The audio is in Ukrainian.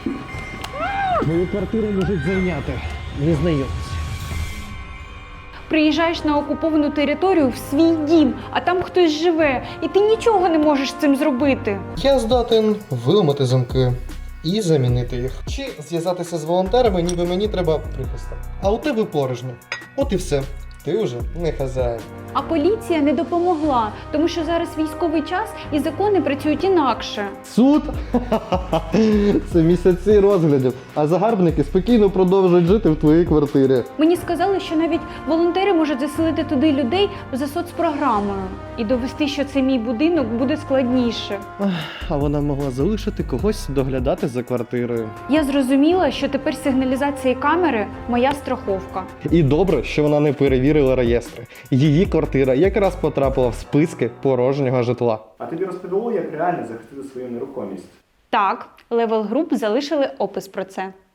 Мою квартиру можуть зайняти незнайомці. Приїжджаєш на окуповану територію в свій дім, а там хтось живе, і ти нічого не можеш з цим зробити. Я здатен виламати замки і замінити їх. Чи зв'язатися з волонтерами, ніби мені треба прихисток. А у тебе порожньо. От і все. Ти вже не хазяїн. А поліція не допомогла, тому що зараз військовий час і закони працюють інакше. Суд? Це місяці розглядів, а загарбники спокійно продовжують жити в твоїй квартирі. Мені сказали, що навіть волонтери можуть заселити туди людей за соцпрограмою. І довести, що це мій будинок, буде складніше. А вона могла залишити когось доглядати за квартирою. Я зрозуміла, що тепер сигналізація і камери – моя страховка. І добре, що вона не перевірила реєстри. Її квартира якраз потрапила в списки порожнього житла. А тобі розповіло, як реально захистити свою нерухомість? Так, Level Group залишили опис про це.